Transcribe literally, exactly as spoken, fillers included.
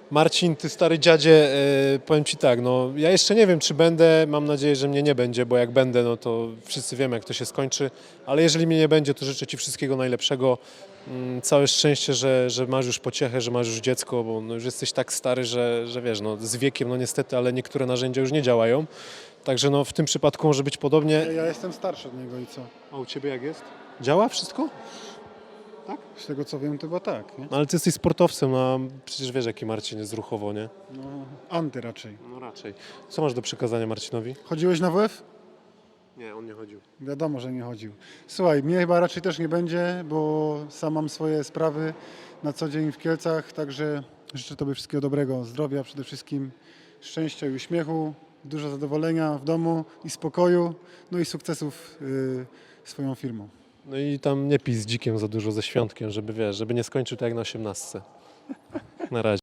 Marcin, ty stary dziadzie, e, powiem ci tak, no ja jeszcze nie wiem, czy będę, mam nadzieję, że mnie nie będzie, bo jak będę, no to wszyscy wiemy, jak to się skończy, ale jeżeli mnie nie będzie, to życzę ci wszystkiego najlepszego, mm, całe szczęście, że, że masz już pociechę, że masz już dziecko, bo no już jesteś tak stary, że, że wiesz, no z wiekiem, no niestety, ale niektóre narzędzia już nie działają, także no w tym przypadku może być podobnie. Ja jestem starszy od niego i co? A u ciebie jak jest? Działa wszystko? Z tego co wiem, to chyba tak, nie? No, ale ty jesteś sportowcem, a przecież wiesz, jaki Marcin jest ruchowo, nie? No, anty raczej. No raczej. Co masz do przekazania Marcinowi? Chodziłeś na W F? Nie, on nie chodził. Wiadomo, że nie chodził. Słuchaj, mnie chyba raczej też nie będzie, bo sam mam swoje sprawy na co dzień w Kielcach, także życzę Tobie wszystkiego dobrego, zdrowia przede wszystkim, szczęścia i uśmiechu, dużo zadowolenia w domu i spokoju, no i sukcesów yy, swoją firmą. No i tam nie pij z dzikiem za dużo, ze świątkiem, żeby wiesz, żeby nie skończył tak jak na osiemnastce. Na razie.